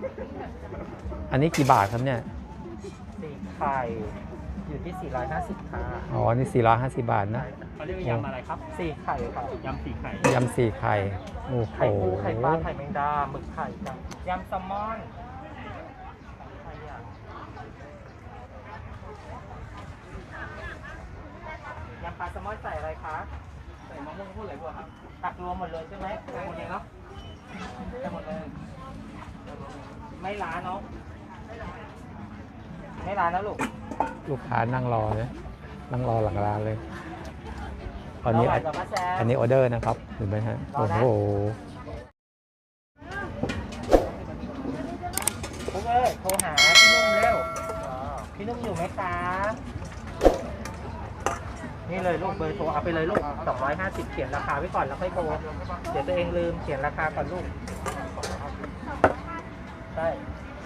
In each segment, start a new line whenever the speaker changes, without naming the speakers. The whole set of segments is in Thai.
อันนี้กี่บาทครับเนี่ย
4 ไข่อยู่ที่450ค่ะ
อ๋อนี่450 บาทนะ
เขาเรียกยำอะไรครับ
4 ไข่ค่ะ
ยำ4 ไข่
ยำ4 ไข่โอ้โห
ไข่ปูไข่ปลาไข่แมงดาหมึกไข่จ้ะยำแซลมอนยำปลาแซลมอนใส่อะไรคะใส่มะม่วงพูดอะไรบ้างครับตักรวมหมดเลยใช่ไหมใส่หมดเลยเนาะใส่หมดเลยไม่ล้าเนาะไม่ล้านะ
ลูกค้านั่งรอเลยนั่งรอหลังร้านเลยอันนี้ออเดอร์นะครับเห็นไหมฮะโอ้โห
ปุ๊กเอ้ยโทรหาพี่นุ่มเร็วพี่นุ่มอยู่ไหมคะนี่เลยลูกเบอร์โทรเอาไปเลยลูก250เขียนราคาไว้ก่อนแล้วค่อยโทรเดี๋ยวตัวเองลืมเขียนราคาก่อนลูกใช่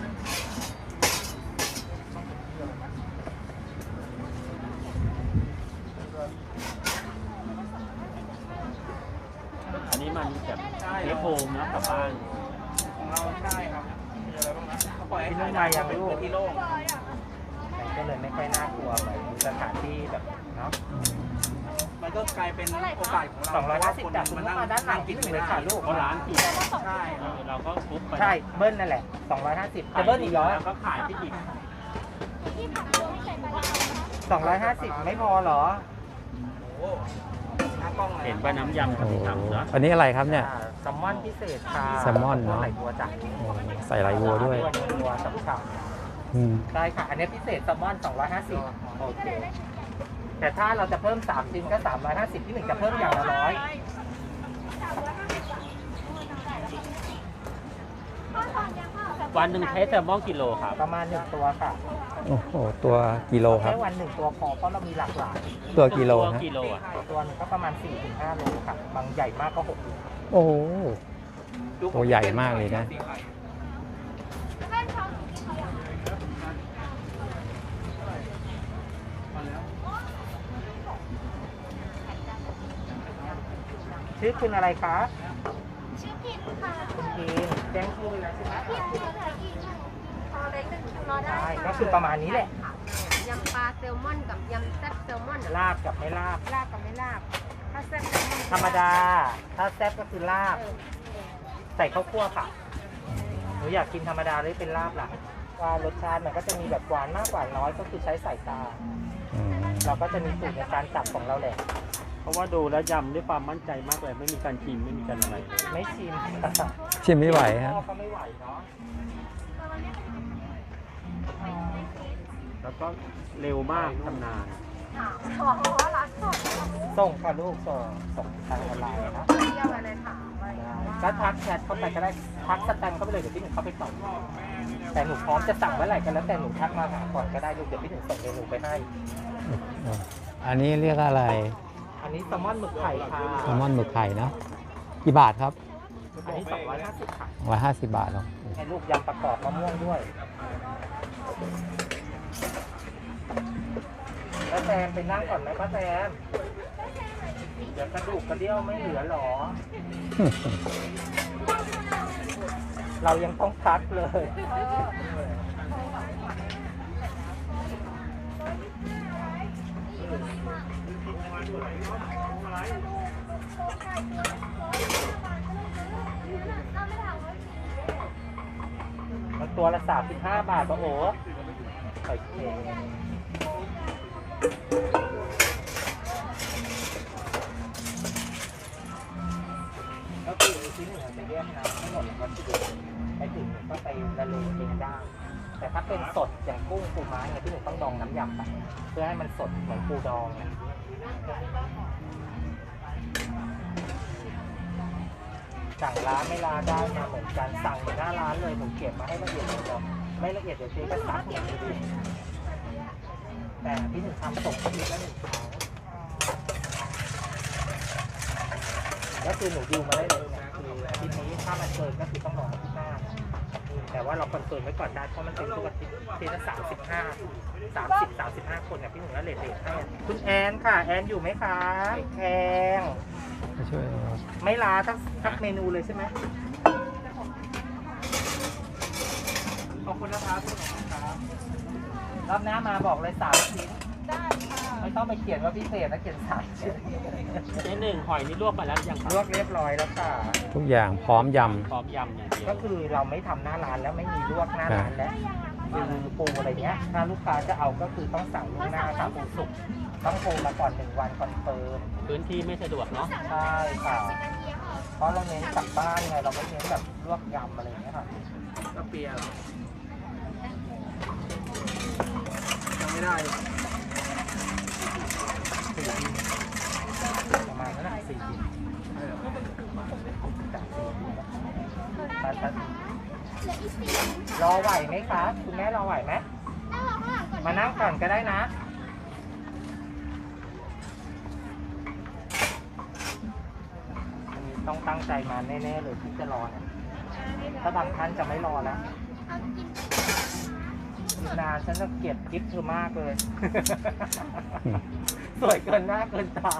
อันนี้มันแบบเทปโฟมนะกลับบ้าน
ของเราใช่ครับมีอะไรบ้างนะเขาปล่อยให้นุ่มมาอย่างลูกที่โล่งก็เลยไม่ค่อยน่ากลัวเหมือนสถานที่แบบเนาะมันก็กลายเป็นโอกาสของเรา250จากคุณมาด้านหลังกินเลยค่ะลูก
เพราะร้านผิด
ใช่
เราก็ทุบไป
ใช่เบิ้ลนั่นแหละ250จะเบิ้ลอีกเหรอ
แล้วก็ขายที่อีก
250ไม่พอเหรอ
เห็นว่าน้ำยำกับที่ทำนะ
อันนี้อะไรครับเนี่ย
แซลมอนพิเศษค่ะ
แซลมอนเนาะ
ใส่บัวจ้ะ
ใส่ไหลบัวด้วย
บัวฉ่ำๆได้ค่ะอันนี้พิเศษแซลมอน250โอเคแต่ถ้าเราจะเพิ่ม3ชิ้นก็350ที่1จะเพิ่มอย่างละ100
วันหนึ่งใช้แซลมอนกิโลครับ
ประมาณ1ตัวค่ะ
โอ้โหตัวกิโลครับ
แค่วัน1ตัวพอเพราะเรามีหลากหลาย
ตัวกิโลนะ
ตัวนึงก็ประมาณ 4-5 โลค่ะบางใหญ่มากก็6โล
โอ้โหตัวใหญ่มากเลยนะ
ชื่อคุณอะไรคะ
ชื่อพินค่ะ
คุณพินแจ้งชื่อเลยนะใช่ไหม
พินเหลืออีกพอเล็ก1 คิวรอได้
ก็คือประมาณนี้แหละ
ยำปลาแซลมอนกับยำแซ่บแซลมอน
ลาบกับไม่ลาบ
ลาบกับไม่ลาบถ้าแซ่บแซลมอน
ธรรมดาถ้าแซ่บก็คือลาบใส่ข้าวคั่วค่ะหนูอยากกินธรรมดาหรือเป็นลาบล่ะว่ารสชาติมันก็จะมีแบบหวานมากหวานน้อยก็คือใช้สายตาเราก็จะมีสูตรในการจับของเราแหละ
เพราะว่าดูแล้วยำด้วยความมั่นใจมากเลยไม่มีการชิมไม่มีการอะไร
ไม่ชิม
ชิมไม่ไหวฮะ
ก็ไม่ไหวเนาะ
แล้วก็เร็วมากทำนาน
ส่งค่ะลูกส่งทางออนไลน์นะก็ทักแชทเข้าไปก็ได้ทักสแตมเข้าไปเลยเดี๋ยวพี่หนึ่งเข้าไปตอบแต่หนูพร้อมจะสั่งเมื่อไหร่ก็แล้วแต่หนูทักมาหาก่อนก็ได้ลูกเดี๋ยวพี่หนึ่งส่งเมนูไปให้
อันนี้เรียกอะไร
อันนี้แซลมอนหมึกไข่ค่ะ
แซลมอนหมึกไข่นะกี่บาทครับ
อันนี้250ค่ะ
150 บาทเนาะ
ให้ลูกยำประกอบมะม่วงด้วยป้าแซมไปนั่งก่อนไหมป้าแซมเดี๋ยวกระดูกกระเดี่ยวไม่เหลือหรอ เรายังต้องพักเลยมันตัวละ35 บาทป่ะโอ้โอเคก็คือที่หนึ่งจะแยกน้ำทั้งหมดแล้วก็ไปถึงก็ไปละเลงเองได้แต่ถ้าเป็นสดอย่างกุ้งปูม้าเนี่ยที่หนึ่งต้องดองน้ำยำไปเพื่อให้มันสดเหมือนปูดองนะสั่งร้านไม่ลาได้มาเหมือนกันสั่งเหมือนหน้าร้านเลยผมเก็บมาให้ละเอียดเลยไม่ละเอียดเดี๋ยวเจ๊ก็ซักอย่างดีแต่ที่หนึ่งทำส่งทีละ1 ครั้งก็คือหนูดิวมาได้เลยนะคือทีนี้ถ้ามันเกินก็คือต้องรอที่หน้าแต่ว่าเราคอนเฟิร์มไว้ก่อนได้เพราะมันเป็นทุกอาทิตย์ทีละ35 คนเนี่ยพี่หนึ่งแล้วเลทให้คุณแอนค่ะแอนอยู่ไหมคะแอน
ช่วย
ไม่ลาทักเมนูเลยใช่ไหมคุณนะครับรอบหน้ามาบอกเลย3 ชิ้น
ได้ค่ะ
ไม่ต้องไปเขียนว่าพิเศษนะเขียน3 ชิ้น
เจ๊หนึ่งหอยนี่ลวกมาแล้วหรือยังครับ
ลวกเรียบร้อยแล้วค่ะ
ทุกอย่างพร้อมย
พร้อมยำอย่างเดียว
ก็คือเราไม่ทำหน้าร้านแล้วไม่มีลวกหน้าร้านแล้วคือปูอะไรเงี้ยถ้าลูกค้าจะเอาก็คือต้องสั่งล่วงหน้าครับปูสุกต้องโทรมาก่อน1 วันคอนเฟิร์ม
พื้นที่ไม่สะดวกเนาะ
ใช่ค่ะ เพราะเราเน้นกลับบ้านไงเราไม่เน้นแบบลวกยำอะไรอย่างเงี้ยค่ะก็เปียยังไม่ได้ประมาณนั้นแหละ4 บินรอไหวไหมคะคุณแม่รอไหวไหมมานั่งก่อนก็ได้นะต้องตั้งใจมาแน่ๆเลยที่จะรอเนี่ยถ้าบางท่านจะไม่รอแล้วนานฉันจะเกลียดคลิปเธอมากเลย
ำ
สวยเกินหน้าเกินตา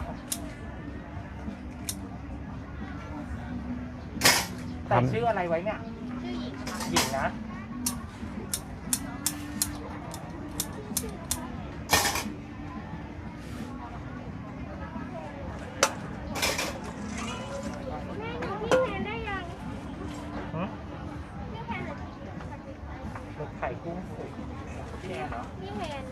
ใส่ชื่ออะไรไว้เนี่ย
ชื่อหญิงค่ะ
หญิงนะหึหมึกไข่กุ้งสุกพี่แอนเหรอ
พี่แฮน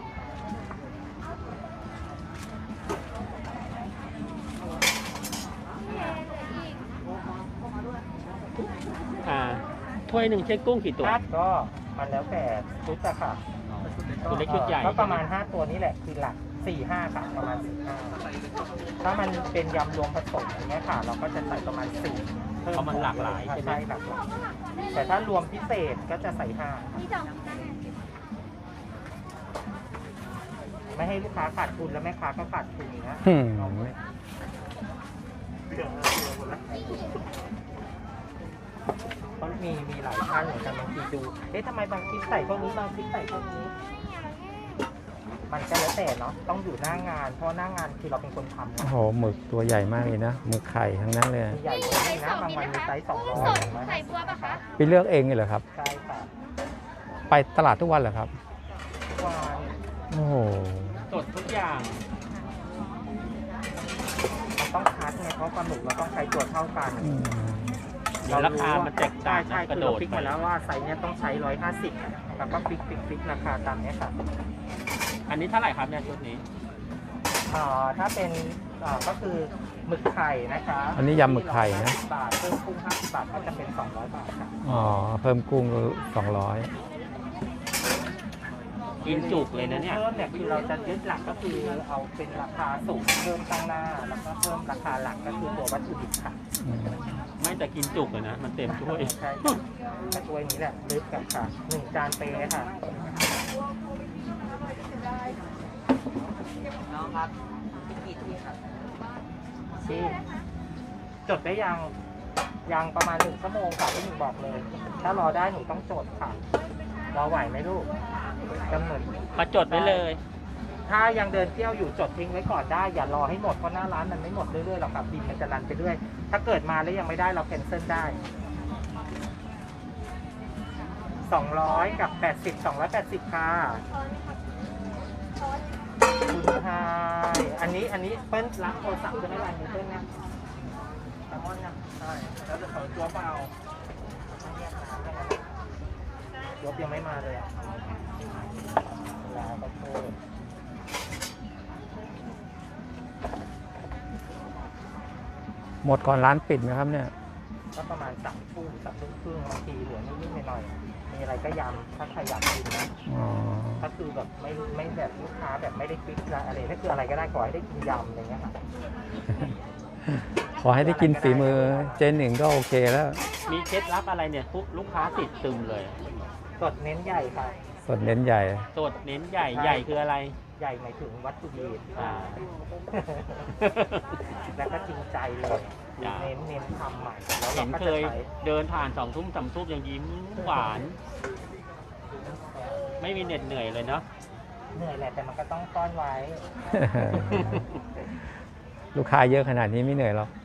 ถ้วยหนึ่งใช้กุ้งกี่ตัว
ก็มันแล้วแต่ชุดอะค่ะ
ตัวเล็กชุดใหญ่
ก็ประมาณ5 ตัวนี้แหละคือหลัก 4-5 ค่ะประมาณ 4-5 ถ้ามันเป็นยำรวมผสมอย่างเงี้ยค่ะ เราก็จะใส่ประมาณ4
เพราะมันหลากหลายใช่ไหม
ใช่หลากหลายแต่ถ้ารวมพิเศษก็จะใส่5
พี่จอง
ไม่ให้ลูกค้าขาดทุนแล้วแม่ค้าก็ขาดทุนนะ
อืม
เพราะมีหลายท่านเหมือนกันบางทีดูเอ๊ะทำไมบางคลิปใส่พวกนี้บางคลิปใส่พวกนี้ มันก็แล้วแต่เนาะต้องอยู่หน้างาน เพราะหน้างานคือเราเป็นคนทำ
โอ้
นะ
โหหมึกตัวใหญ่มากเลยนะหมึกไข่ทั้งนั้นเลย
มีใหญ่กว่านี้นะบางวันมีไซส์
กุ้งสดใส่บัวปะคะ
ไปเลือกเองเลยเหรอครับ
ใช่ค่ะ
ไปตลาดทุกวันเหรอครับ
ทุกวัน
โอ้โห
สดทุกอย่าง
มันต้องคัดไงเพราะปลาหมึกเราต้องใช้ตัวเท่ากัน
อืม
ราคามันแตกต่าง
ใช่
นะก
คื
ระ
อ
โด
เรา
ด
ฟิก
ไป
มาแล้วว่าไซส์เนี้ยต้องใช้150แล้วก็ฟิกราคาตามเนี้ยค่ะ
อันนี้เท่าไหร่ครับเนี่ยชุดนี้
ถ้าเป็นก็คือหมึกไข่นะคะ
อันนี้ยำหมึกไข่นะ
บาทเพิ่มกุ้ง50 บาทก็จะเป็น200 บาทค่ะ
อ๋อเพิ่มกุ้ง200
กินจุกเลยนะเนี่ย
เพิ่มเนี่ยคือเราจะยึดหลักก็คือเอาเป็นราคาสูงเพิ่มตั้งหน้าแล้วก็เพิ่มราคาหลักก็คือตัววัตถุดิบค่ะ
อืม
ไม่แต่กินจุกเลยนะ มันเต็มถ้วย
ใช่ค่ะก็ตัวนี้แหละลึกกับค่ะ1 จานเปค่ะน้องครับกี่ที่ครับที่จดได้ยังประมาณ1 ชั่วโมงค่ะที่หนูบอกเลย ถ้ารอได้หนูต้องจดค่ะรอไหวไหมลูกกำหนด
มาจดไว้เลย
ถ้ายังเดินเที่ยวอยู่จดทิ้งไว้ก่อนได้อย่ารอให้หมดเพราะหน้าร้านมันไม่หมดเรื่อยๆหรอกครับบินมันจะรันไปเรื่อยถ้าเกิดมาแล้วยังไม่ได้เราแคนเซิลได้200กับ80 280ค่ะคุณไฮอันนี้เปิ้ลรับโทรศัพท์จะไม่รันนี้เปิ้ลนะแซลมอนนะใช่แล้วจะขอตัวเปล่าไม่เรียกน้ำได้ไหมยกยังไม่มาเลยอ่ะลาขอโทษ
หมดก่อนร้านปิดไหมครับเนี่ย
ก็ประมาณ3 ทุ่ม3 ทุ่มครึ่งบางทีเหลือนิดๆหน่อยๆมีอะไรก็ยำถ้าใครอยากกินนะ
อ๋อ
ก็คือแบบไม่แบบลูกค้าแบบไม่ได้ฟิกอะไรถ้าคืออะไรก็ได้ขอให้ได้กินยำอะไรเงี้ยค่ะ
ขอให้ได้กินฝีมือเจนหนึ่งก็โอเคแล้ว
มีเคล็ดลับอะไรเนี่ยปุ๊บลูกค้าติดซึมเลย
สดเน้นใหญ่ค่ะ
สดเน้นใหญ่
สดเน้นใหญ่ใหญ่คืออะไร
ใหญ่หมายถึงวัตถุดิบ
อ่า
แล้วก็จริงใจเลย
จ้ะ
เน้นทำใหม่แล้ว
เห็
เรา
น
ก็
เค
จะ
ย
ใช้
เดินผ่าน2 ทุ่ม3 ทุ่มยังยิ้มหวาน ไม่มีเหน็ดเหนื่อยเลยเนาะ
เหนื่อยแหละแต่มันก็ต้องต้อนไว้
ลูกค้าเยอะขนาดนี้ไม่เหนื่อยหรอก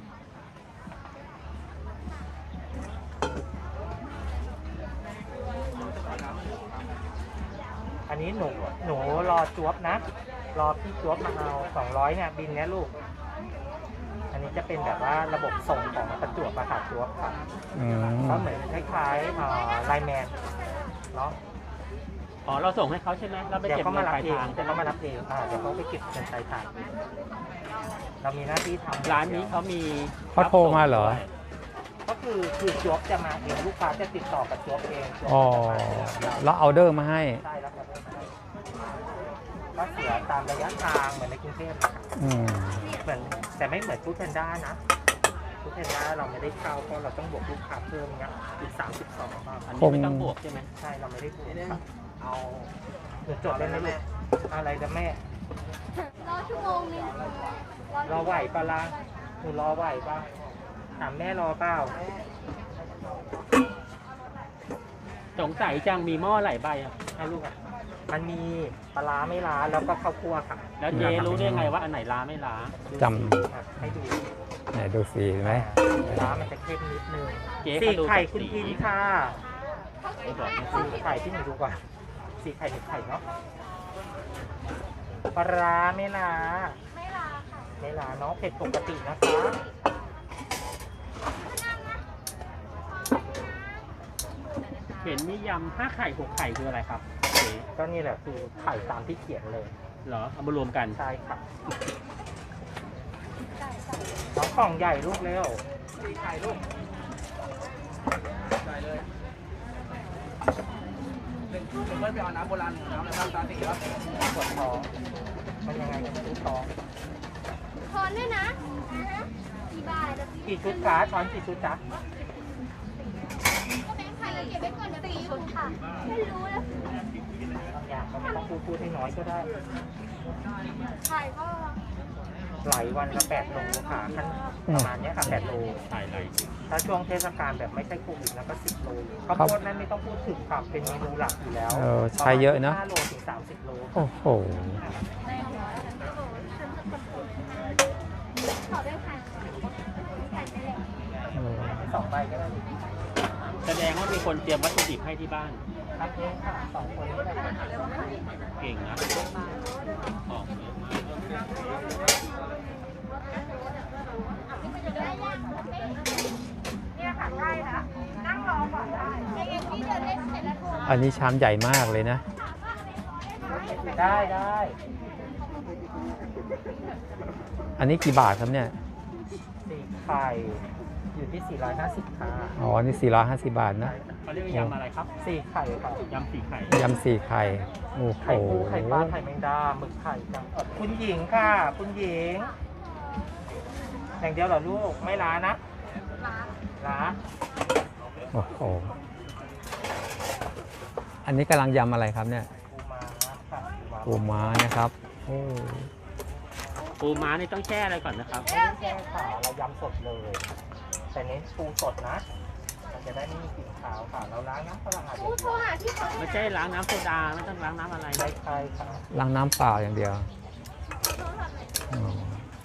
อันนี้หนูรอจวบนะ รอพี่จวบมาเอา200เนี่ยบินเนี้ยลูก อันนี้จะเป็นแบบว่าระบบส่งของประจวบมาหาจวบครับ
อืม
ก็เหมือนคล้ายๆไลน์แมนเนาะ
อ๋อเราส่งให้เขาใช่ไหมเราไป
เดี๋ยว
เก็บ
เขา
เงิ
มาน รับ
ปลาย
เอง
ทาง
เดี๋ยวเขามารับเองเดี๋ยวเขาไปเก็บเงินปลายทางเรามีหน้าที่ทำ
ร้านนี้เขามี
เขาโทรมาเหรอ
ก็คือจวบจะมาเองลูกค้าจะติดต่อกับจวบเองจวบ
อ๋อ
จะมาเอง
แล้วเอาเดอร์มาให้
ใช่แล้วครับก็เสียตามระยะทางเหมือนในกรุงเทพนะครับ
อืม
เหมือนแต่ไม่เหมือนฟู้ดแพนด้านะฟู้ดแพนด้าเราไม่ได้เข้าเพราะเราต้องบวกลูกค้าเพิ่มเงี้ยอีก32บาท
อันนี้ไม่ต้องบวกใช่ไหม
ใช่เราไม่ได้บวกครับเอาเดี๋ยวจดได้ไหมลูกอะไรจะแม่
รอชั่วโมงนึง
รอไหวปะล่ะหนูรอไหวปะถามแม่รอเปล่า
สงสัยจังมีหม้อหลายใบอ่ะ
ให้ลูกอ่ะมันมีปลาร้าไม่ล้าแล้วก็ข้าวคั่วค่ะ
แล้วเจ๊รู้ได้ไงว่าอันไหนล้าไม่ล้า
จ
ให้ดู
ไหนดูสีไหม
ร้ามันจะเข้มนิดนึง
เจ๊
สี
เขาดู
ไข่
จาก
คุณ
สี
พินค่ะ
ไม่บอกนะ
สีไข่ที่หนูดูก่อนสีไข่หนึ่งไข่เนาะปลาร้าไม่ล้า
ไม่ลาค่ะ
ไม่ล้าเนาะเผ็ดปกตินะคะ
เห็นมียำ5 ไข่6 ไข่คืออะไรครับเจ๊
ก็นี่แหละคือไข่ตามที่เขียนเลย
เหรอเอามารวมกัน
ใช่ค่ะน้องกล่องใหญ่ลูกเร็วสีไข่ลูกใส่เลยเป็นเพื่อนไปเอาน้ำโบราณน้ำอะไรบ้างตาสีครับปวดท้องมันยังไงกันลูกท้อง
ทอนด้วยนะกี่บาท
กี่ชุดคะช้อนกี่ชุดจ๊ะ
ก็แบงค์พันแล้วเก็บไว้ก่อนเดี๋ยวตีชุดค่ะ ไม่รู้นะ
บางอย่างก็ไม่ต้องพูดให้น้อยก็ได้
ไข่ก็
หลายวันละ8 โลค่ะขั้นประมาณเนี้ยค่ะ8 โล
ใส่อะไร
ถ้าช่วงเทศกาลแบบไม่ใช่โควิดแล้วก็10 โลข้าวโพดนั้นไม่ต้องพูดถึงค่ะเป็นเมนูหลักอยู่แล้ว
ใช้เยอะนะ
5 โลถึง 30 โล
โอ้โห
ขอด้วยค่ะไข่ไปเลย
เออ
2 ใบก็ได้
แสดงว่ามีคนเตรียมวัตถุดิบให้ที่บ้าน
ครับเองค่ะ2 คนนี้แหละค่ะ
เก่งนะของเยอะมาก
เนี่ยค่ะได้นะนั่งรอก่อนได้เองพี่เดินเล่นเสร็จแล้วโทร
อันนี้ชามใหญ่มากเลยนะ
ได้ได้
อันนี้กี่บาทครับเนี่ย
สีไข่อยู่ที่450ค่ะ
อ๋อ นี่450 บาทนะ
เขาเรียกว่ายำอะไรครับ
4 ไข่ค่ะ
ยำ4 ไข่
ยำ4 ไข่ โอ้โห
ไข่ปูไข่ปลาไข่แมงดาหมึกไข่จังคุณหญิงค่ะ คุณหญิง อย่างเดียวเหรอลูก ไม่ล้านะล้า
โอ้โห อันนี้กำลังยำอะไรครับเนี่ย
ปูม้าค่ะ
ปูม้านะครับ โอ้
ปูม้านี่ต้องแช่อะไรก่อนนะครับ
ไม่ได้แช่ค่ะเรายำสดเลย แต่เน้นปูสดนะ มันจะได้ไม่มีกลิ่นขาวค่ะ เราล้างน้ำสะอาดอย่าง
โทร
เดียว
หาที่เขา
ไม่ใช่ล้างน้ำโซดาไม่ต้องล้างน้ำอะไร
ใช่ใช่ค่ะ
ล้างน้ำเปล่าอย่างเดียวอ๋อ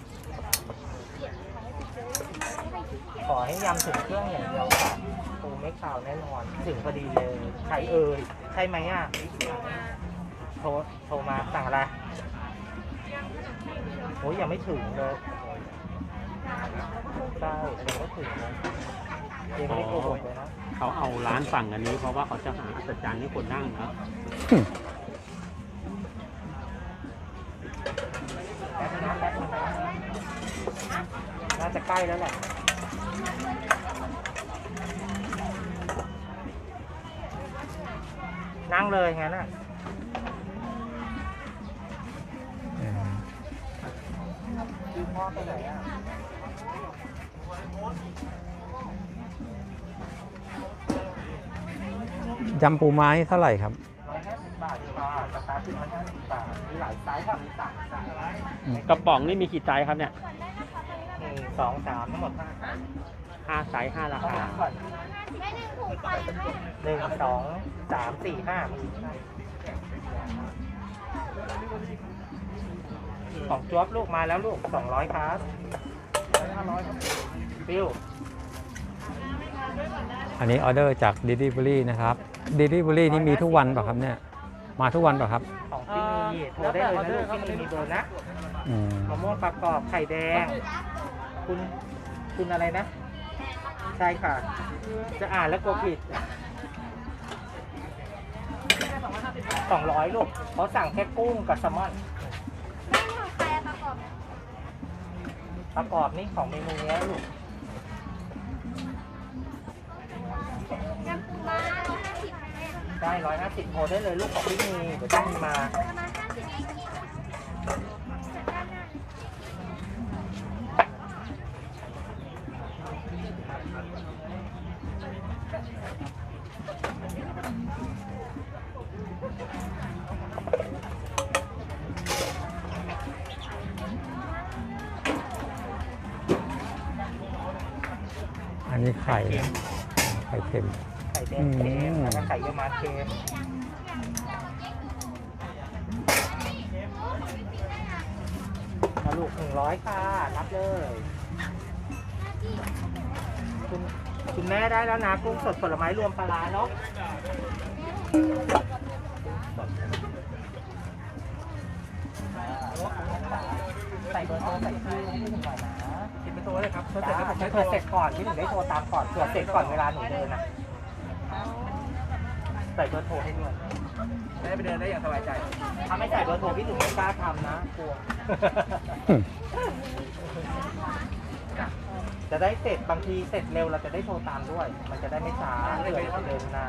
ขอให้ยำถึงเครื่องอย่างเดียวค่ะปูไม่ขาวแน่นอน ถึงพอดีเลยใครเอ่ยใช่ไหมอ่ะโทรมาสั่งอะไรโอ้ยยังไม่ถึงเลยใช่ยังไม่ถึงเลยยังไม่ได้โกหกเลยนะ
เขาเอาร้านฝั่งอันนี้เพราะว่าเขาจะหาอัศจรรย์ให้คนนั่งนะ
แป๊บนึงนะแป๊บนึงนะน่าจะใกล้แล้วแหละนั่งเลยงั้นอ่ะ ดูพ่อไปไหนอ่ะ
ยำปูม้านี่เท่าไหร่ครับ
150 บาทค่ะสตาร์ทที่150 บาท มีหลายไซส์ค่ะ มี3ไซส์
กระป๋องนี่มีกี่ไซส์ครับเนี่ย
1 2 3 ทั้งหมด5ไซส์
5 ไซส์ 5 รา
ต้อง
คา
นับก่อน
ไม่ได้ถูกไปค่ะ
1 2 3 4 5มีของจ๊วบลูกมาแล้วลูก 200 ครับ500ครับฟิว
อันนี้ออเดอร์จาก Delivery นะครับ Delivery นี่มีทุกวันเปล่ะครับเนี่ยมาทุกวันเปล่ะครับ
ของที่มีโทรได้เลยนะลูกที่มีเบอร์นะ
อืม
มะม่วงประกอบไข่แดง คุณอะไรนะ ใช่ค่ะ จะอ่านแล้วกลัวผิด200ลูกเขาสั่งแค่กุ้งกับแซลมอน
แม่ของใครอะประกอบ
ประกอบนี่ของเมนูนี้ลูก
ยำปูม้า150แม่
ได้150โทรได้เลยลูกของที่มีเดี๋ยวต้องมีมา
ประมาณ50เองจัดด้านหน้า
อันนี้ไข่นะไข่เค็ม
ไข่แดงเค็มแล้วก็ไข่เยี่ยวม้าเค็มลูก100ค่ะรับเลยคุณแม่ได้แล้วนะกุ้งสดผลไม้รวมปลาร้าเนาะใส่เบอร์โทรใส่ชื่อให้หน่อยนะคิดเป็นตัวเลยครับเสร็จแล้วผมไม่โทรเสร็จก่อนที่หนูได้โทรตามก่อนเผื่อเสร็จก่อนเวลาหนูเดินนะใส่เบอร์โทรให้ด้วยได้ไปเดินได้อย่างสบายใจถ้าไม่ใส่เบอร์โทรพี่หนูไม่กล้าทำนะกลัว จะได้เสร็จบางทีเสร็จเร็วเราจะได้โทรตามด้วย มันจะได้ไม่ช้าเผื่อจะเดินนาน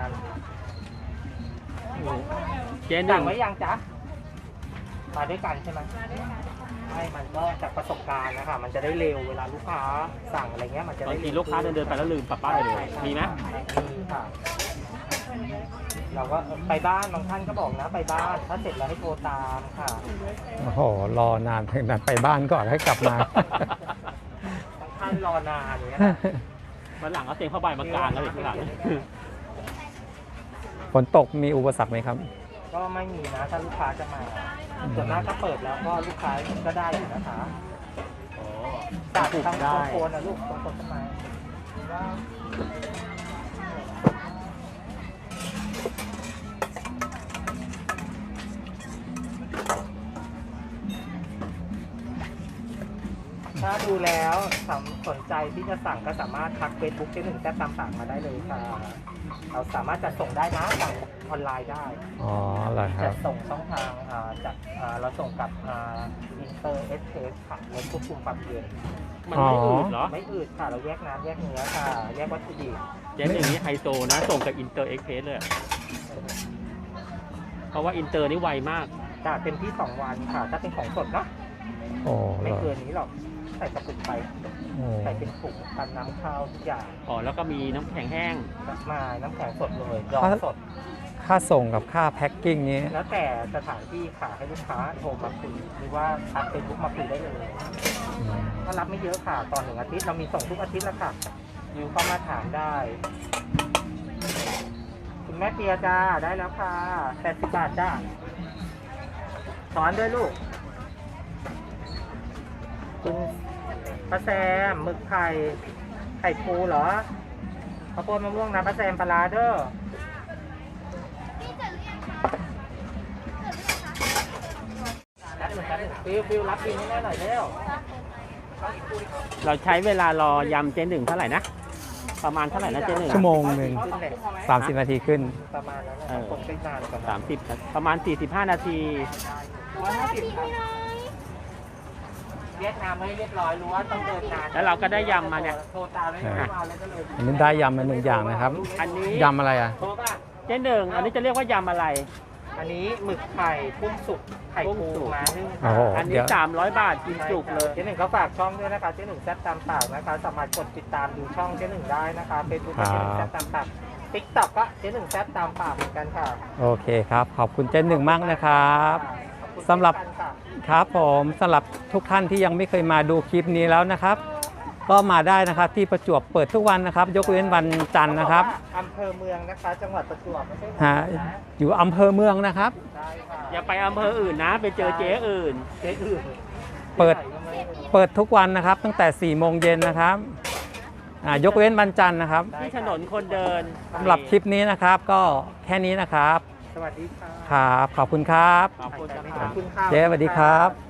เจ๊ห
สั่
นึ่
ง
ง
ไว้ยังจ๊ะมาด้วยกันใช่ไหมใช่มันก็จากประสบการณ์นะคะมันจะได้เร็วเวลาลูกค้าสั่งอะไรเงี้ยมันจะ
บา
ได้
งทีลูกค้าเดินไปแล้วลืมปะป้ายเลยมีไหม
มีค่ะเราก็ไปบ้านบางท่านก็บอกนะไปบ้านถ้าเสร็จแล้วให้โทรตามค่ะ
โอ้โห รอนานถึงนั้นไปบ้านก่อนให้กลับมา
บางท่านรอนานอย่างเงี้ย
วันหลังเอาเตียงผ้าใบมากางแล้วอีกข้างหลัง
ฝนตกมีอุปสรรคไหมครับ
ก็ไม่มีนะถ้าลูกค้าจะมาส่วนมากถ้าเปิดแล้วก็ลูกค้าก็ได้อยู่นะคะ
อ๋อ
ตัด
ปลูก
ทั้ง
ได้
โคนนะลูกตรงต้นไม้ถ้าดูแล้วสนใจที่จะสั่งก็สามารถทักเฟซบุ๊กเจ๊หนึ่งแซ่บตามสั่งมาได้เลยค่ะ เราสามารถจัดส่งได้นะสั่งออนไลน์ได้
อ๋อเหรอค
จั
รั
ด
บ
ส่งช่องทางจากเราส่งกับอินเตอร์เอสเพสค่ะรถควบคุมความเย็น
มันไม่อืดเหรอ
ไม่อืดค่ะ เราแยกน้ำแยกเนื้อค่ะ แยกวัตถุดิบ
เจ๊หนึ่งนี่ไฮโซนะ ส่งกับอินเตอร์เอ็กเพสเลยอะเพราะว่าอินเตอร์นี่ไวมาก
จากเต็มที่2 วันค่ะ ถ้าเป็นของสดเนาะ
โอ้เหร
ไม่
อ
เกินนี้หรอกใส่กระปุกไป
โอ้
ใส่เป็นถุงกันน้ำข้าวทุกอย่าง
อ๋อ แล้วก็มีน้ำแข็งแห้ง
มาน้ำแข็งสดเลยดองสด
ค่าส่งกับค่าแพ็คกิ้งนี้
แล้วแต่สถานที่ค่ะให้ลูกค้าโทรมาคุยหรือว่าทักเฟซบุ๊กมาคุยได้เลย
อืม
ก็รับไม่เยอะค่ะตอน1 อาทิตย์เรามีส่งทุกอาทิตย์แล้วค่ะยูเข้ามาถามได้ คุณแม่เปียจ้าได้แล้วค่ะ80 บาทจ้าสอนด้วยลูก คุณป้าแซมหมึกไข่ปูเหรอข้าวโพดมะม่วงนะป้าแซมปลาร้าเด้อ
พี่เสร็จหรือยังคะ
ฟิวรับบินให้แม่หน่อยเร็ว
เราใช้เวลารอยำเจ๊หนึ่งเท่าไหร่นะ ประมาณเท่าไหร่นะเจ๊หนึ่ง
ชั่วโมงหนึ่ง
ขึ้นเลย
30 นาทีขึ้น
ประมาณนั้นนะคนใช้นานกว่านั้น
30ประมาณ 45 นาที
150ครับเวียดนามไม่เรียบร้อยรู้ว่าต้องเดินนาน
แล้วเราก็ได้ยำมาเนี่ย
โทรตามไม่ได้มาเลยก็เลย
อันนี้ได้ยำมา1 อย่างนะครับ
อันนี้
ยำอะไรอ่ะ
โทรป่ะ
เจ๊หนึ่งอันนี้จะเรียกว่ายำอะไร
อันนี้หมึกไข่กุ้งสุกไข่
กุ้
ปู
งสุก
มานึ่ง
โอ้โห
อันนี้ 300 บาทกินจุกเลย
เจ๊หนึ่งเขาฝากช่องด้วยนะคะเจ๊หนึ่งแซ่บตามปากนะคะสามารถกดติดตามดูช่องเจ๊หนึ่งได้นะคะเฟซบุ๊กเจ๊หนึ่งแซ่บตามปากติ๊กต็อกก็เจ๊หนึ่งแซ่บตามปากเหมือนกันค่ะ
โอเคครับ ขอบคุณเจนหนึ่งมากนะครับ
ขอบคุณ
สำหรับ
เช่นกันค่ะ
ครับผมสำหรับทุกท่านที่ยังไม่เคยมาดูคลิปนี้แล้วนะครับ ก็มาได้นะครับที่ประจวบเปิดทุกวันนะครับ ยกเว้นวันจันทร์นะครับ
อำเภอเมืองนะคะ จังหวัดประจวบไม่ใช่
ฮะอยู่อำเภอเมืองนะครับ
ได้ค่ะ
อย่าไปอำเภออื่นนะ ไปเจอเจ๊อื่น
เจ๊อื่น
เปิดทุกวันนะครับ ตั้งแต่4 โมงเย็นนะครับยกเว้นวันจันทร์นะครับ
ที่ถนนคนเดิน
สำหรับคลิปนี้นะครับ ก็แค่นี้นะครับ
สวัสดีค่ะ
ครับ ขอบคุณครับ
ขอบคุณ
ข
ค
อ
รั
บบ คุณค่ะ
เจ๊สวัสดีครับ